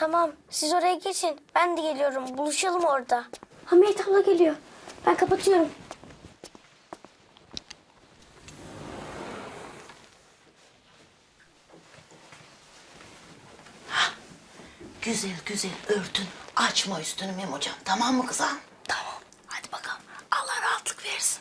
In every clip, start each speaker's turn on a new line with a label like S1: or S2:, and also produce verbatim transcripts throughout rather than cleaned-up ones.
S1: Tamam, siz oraya geçin. Ben de geliyorum. Buluşalım orada. Hamiyet abla geliyor. Ben kapatıyorum.
S2: Güzel güzel örtün. Açma üstünü Memocan. Tamam mı kızım?
S3: Tamam. Hadi bakalım. Allah rahatlık versin.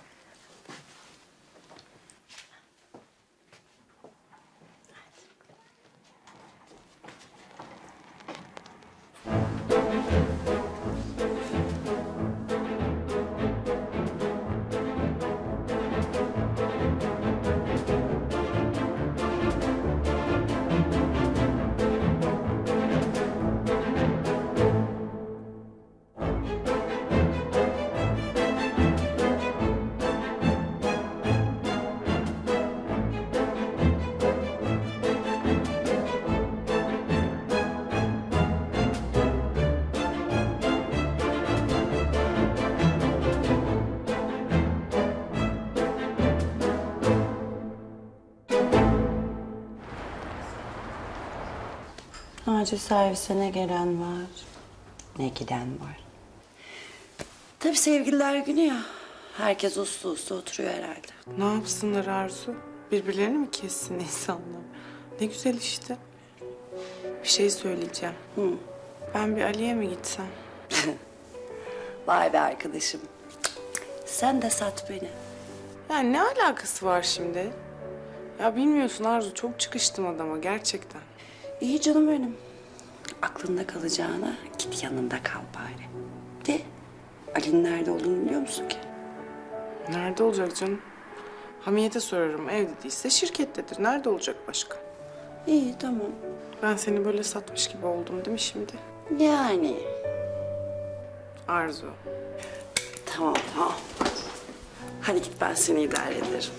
S2: Acil servise ne gelen var, ne giden var. Tabii sevgililer günü ya. Herkes uslu uslu oturuyor herhalde.
S4: Ne yapsınlar Arzu? Birbirlerini mi kessin insanlar? Ne güzel işte. Bir şey söyleyeceğim.
S2: Hı.
S4: Ben bir Ali'ye mi gitsem?
S2: Vay be arkadaşım. Sen de sat beni.
S4: Yani ne alakası var şimdi? Ya bilmiyorsun Arzu, çok çıkıştım adama gerçekten.
S2: İyi canım benim. Aklında kalacağına git yanında kal bari. De Ali'nin nerede olduğunu biliyor musun ki?
S4: Nerede olacak canım? Hamiyet'e sorarım, evde değilse şirkettedir. Nerede olacak başka?
S2: İyi tamam.
S4: Ben seni böyle satmış gibi oldum değil mi şimdi?
S2: Yani.
S4: Arzu.
S2: Tamam tamam. Hadi git, ben seni idare ederim.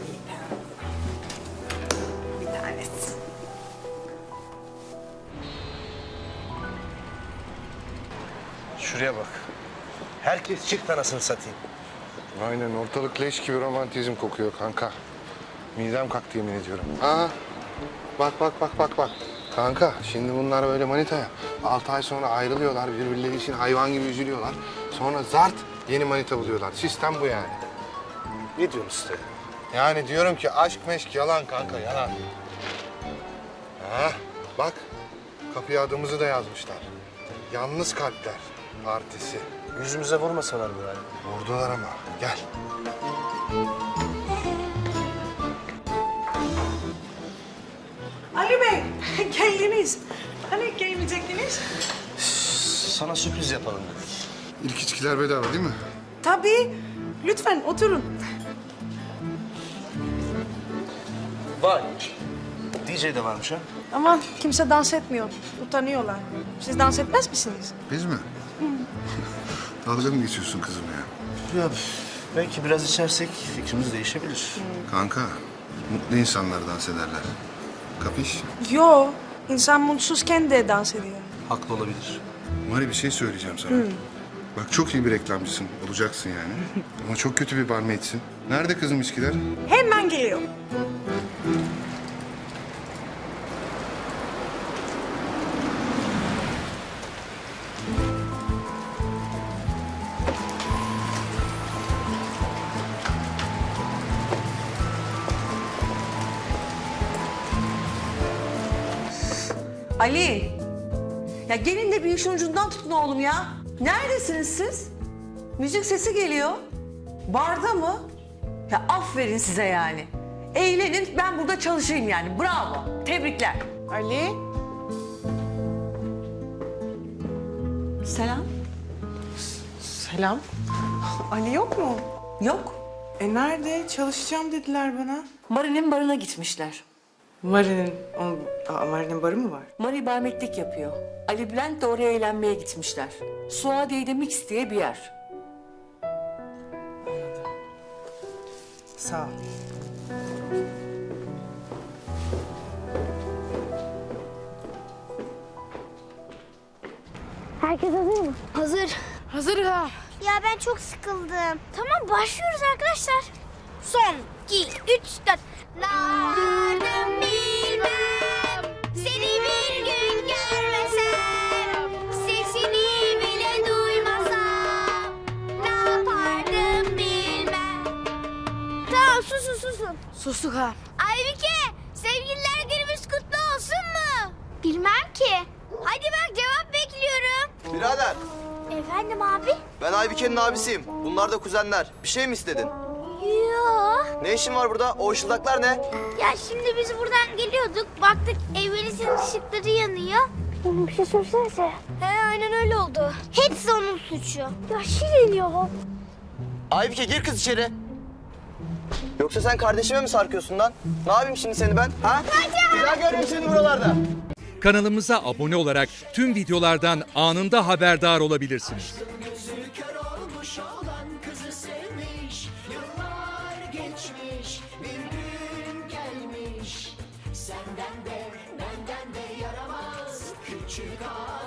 S2: Bir tanesi.
S5: Şuraya bak. Herkes çift anasını satayım.
S6: Aynen, ortalık leş gibi romantizm kokuyor kanka. Midem kalktı yemin ediyorum. Aa, bak bak bak bak bak. Kanka şimdi bunlar böyle manita ya. Altı ay sonra ayrılıyorlar, birbirleri için hayvan gibi üzülüyorlar. Sonra zart yeni manita buluyorlar. Sistem bu yani.
S5: Ne diyorsun işte?
S6: Yani diyorum ki aşk meşk yalan kanka, yalan. Ha, bak kapıya adımızı da yazmışlar. Yalnız Kalpler Partisi.
S5: Yüzümüze vurmasalar mı yani?
S6: Vurdular ama. Gel.
S7: Ali Bey, geldiniz. Hani gelmeyecektiniz?
S5: Sana sürpriz yapalım dedik.
S6: İlk içkiler bedava değil mi?
S7: Tabii. Lütfen oturun.
S5: Vay. D J de varmış ha.
S7: Ama kimse dans etmiyor. Utanıyorlar. Siz dans etmez misiniz?
S6: Biz mi? Dalga mı geçiyorsun kızım ya?
S5: Ya belki biraz içersek fikrimiz değişebilir.
S6: Kanka, mutlu insanlar dans ederler. Kapış?
S7: Yo, insan mutsuzken de dans ediyor.
S5: Haklı olabilir.
S6: Mari, bir şey söyleyeceğim sana. Bak çok iyi bir reklamcısın, olacaksın yani. Ama çok kötü bir barmaidsin. Nerede kızım içkiler?
S7: Hemen geliyor.
S8: Ali, ya gelin de bir işin ucundan tutun oğlum ya. Neredesiniz siz? Müzik sesi geliyor. Barda mı? Ya aferin size yani. Eğlenin, ben burada çalışayım yani. Bravo, tebrikler.
S4: Ali,
S8: Selam.
S4: selam. Ali yok mu?
S8: Yok,
S4: E nerede? Çalışacağım dediler bana.
S8: Mari'nin barına gitmişler.
S4: Mari'nin, onun, aa, Mari'nin barı mı var?
S8: Mari barmetlik yapıyor. Ali Bülent de oraya eğlenmeye gitmişler. Suadiye'de Mix diye bir yer.
S4: Sağ ol.
S1: Herkes hazır mı?
S9: Hazır.
S1: Hazır ha.
S9: Ya ben çok sıkıldım. Tamam başlıyoruz arkadaşlar. Son, iki, üç, dört. Nardım bilmem, seni bir gün görmesem.
S7: Sustuk ha.
S9: Aybike, sevgililer günümüz kutlu olsun mu? Bilmem ki. Hadi bak cevap bekliyorum.
S5: Birader,
S9: Efendim abi?
S5: ben Aybike'nin abisiyim. Bunlar da kuzenler. Bir şey mi istedin?
S9: Yok.
S5: Ne işin var burada? O ışıldaklar ne?
S9: Ya şimdi biz buradan geliyorduk. Baktık evimizin ışıkları yanıyor. Oğlum bir şey söylesene. He aynen öyle oldu. Hepsi onun suçu. Ya Şirin ya.
S5: Aybike gir kız içeri. Yoksa sen kardeşime mi sarkıyorsun lan? Ne yapayım şimdi seni ben? Ha? Bir daha görmeyeyim seni buralarda.
S10: Kanalımıza abone olarak tüm videolardan anında haberdar olabilirsiniz.
S3: Gözü kör olmuş olan kızı sevmiş. Yıllar geçmiş, bir gün gelmiş. Senden de benden de yaramaz küçük ağa.